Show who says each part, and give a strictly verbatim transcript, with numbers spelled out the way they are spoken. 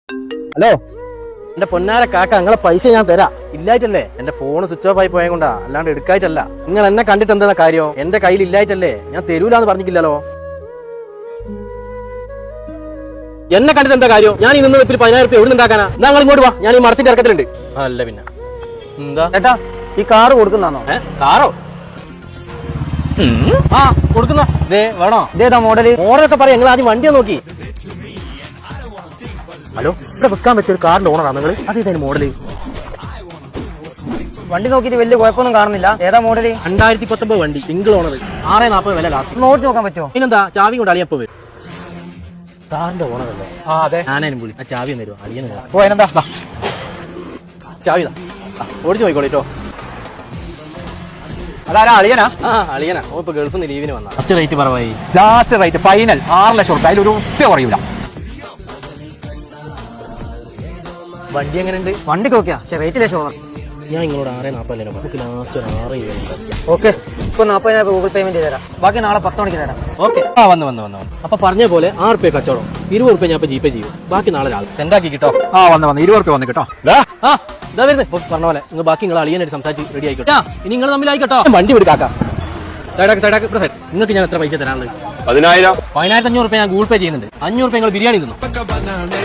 Speaker 1: Hello, എന്റെ പൊന്നാര കാക്ക, നിങ്ങളെ പൈസ ഞാൻ തരാം. ഇല്ലായിട്ടല്ലേ എന്റെ ഫോൺ സ്വിച്ച് ഓഫ് ആയി പോയ കൊണ്ടാ, അല്ലാണ്ട് എടുക്കായിട്ടല്ല. നിങ്ങൾ എന്നെ കണ്ടിട്ട് എന്താ കാര്യം? എന്റെ കയ്യിൽ ഇല്ലായിട്ടല്ലേ, ഞാൻ തരൂലെന്ന് പറഞ്ഞിട്ടില്ലല്ലോ. എന്നെ കണ്ടിട്ട് എന്താ കാര്യം? ഞാൻ ഈ നിന്ന് വെപ്പിൽ പതിനായിരം രൂപ എവിടെ ഉണ്ടാക്കാനാ? എന്നാ നിങ്ങൾ ഇങ്ങോട്ട് വാ, ഞാൻ ഈ മരത്തിന്റെ ഇറക്കത്തിലുണ്ട്. അല്ല പിന്നെ എന്താ
Speaker 2: ചേട്ടാ, ഈ കാറ് കൊടുക്കുന്നതാണോ?
Speaker 1: ഏ കാറോ? ആ കൊടുക്കുന്ന ദേ വേണോ?
Speaker 2: ഇതേതാ മോഡല്?
Speaker 1: മോഡലൊക്കെ പറയാം, നിങ്ങൾ ആദ്യം വണ്ടിയെ നോക്കി. ഹലോ, ഇവിടെ വെക്കാൻ വെച്ചൊരു കാറിന്റെ ഓണറാണ് നിങ്ങൾ? അതേതായാലും മോഡല്?
Speaker 2: വണ്ടി നോക്കിയിട്ട് വലിയ കുഴപ്പമൊന്നും കാണുന്നില്ല. ഏതാ മോഡല്?
Speaker 1: രണ്ടായിരത്തി പത്തൊമ്പത് വണ്ടി, സിംഗിൾ ഓണർ, ആറേ നാപ്പത് വില ലാസ്റ്റ്.
Speaker 2: നോട്ട് നോക്കാൻ പറ്റുമോ?
Speaker 1: പിന്നെന്താ, ചാവി കൊണ്ട് അളിയപ്പോ വരും. കാറിന്റെ ഓണർ അല്ലേ? ആ അതെ. ഞാനും വിളി, ആ ചാവി ഒന്ന് തരുമോ? അളിയന്
Speaker 2: ഓ, അതിനെന്താ?
Speaker 1: ചാവി ഓടിച്ചു പോയിക്കോളിട്ടോ.
Speaker 2: അതാരാ, അളിയനാ?
Speaker 1: ആ അളിയനാ. ഓ ഇപ്പൊ ഗൾഫിൽ നിന്ന് ലീവിന് വന്നാ. ഫസ്റ്റ് റേറ്റ് പറവായി.
Speaker 3: ലാസ്റ്റ് റേറ്റ് ഫൈനൽ ആറ് ലക്ഷം റുപ്യ, അതിലൊരു ഉപ്പ കുറയൂല.
Speaker 1: വണ്ടി എങ്ങനെയുണ്ട്?
Speaker 2: വണ്ടിക്ക് ഓക്കെയാ, പക്ഷെ റേറ്റ് ലക്ഷം ഓണം.
Speaker 1: ഞാൻ നിങ്ങളോട് ആറേ നാപ്പല്ലേ നമുക്ക് ലാസ്റ്റ് ഒരു ആറ് രൂപ.
Speaker 2: ഓക്കെ, ഇപ്പൊ നാപ്പതിനായിരം ഗൂഗിൾ പേയ്മെന്റ് തരാം. ബാക്കി നാളെ പത്ത് മണിക്ക് തരാം.
Speaker 1: ഓക്കെ. ആ വന്ന് വന്ന് വന്ന് വന്ന് അപ്പൊ പറഞ്ഞ പോലെ ആറ് റുപ്യ കച്ചവടം, ഇരുപത് റുപ്യ ഞാൻ ഇപ്പൊ ജിപേ ചെയ്യും. ബാക്കി നാളെ രാവിലെ സെൻഡാക്കി കിട്ടോ.
Speaker 3: ആ വന്ന് വന്ന് ഇരുപത് റുപ്യ വന്ന് കിട്ടോ.
Speaker 1: ആ ഇതാ വരുന്നത്. ഇപ്പൊ പറഞ്ഞ പോലെ നിങ്ങൾ ബാക്കി നിങ്ങൾ അളിയനായിട്ട് സംസാരിച്ച് റെഡി ആയിക്കോട്ടെ. ഇനി നിങ്ങൾ തമ്മിലായിക്കോട്ടോ. വണ്ടി വിടുക്കാക്കാം. സൈഡാക്ക് സൈഡാക്ക് സൈഡ്. നിങ്ങൾക്ക് ഞാൻ എത്ര പൈസ തരാനുള്ളത്?
Speaker 4: പതിനായിരം
Speaker 1: പതിനായിരത്തി അഞ്ഞൂറ് റുപ്യ ഞാൻ ഗൂഗിൾ പേ ചെയ്യുന്നുണ്ട്. അഞ്ഞൂറ് റുപ്യ നിങ്ങൾ ബിരിയാണി തിന്നു.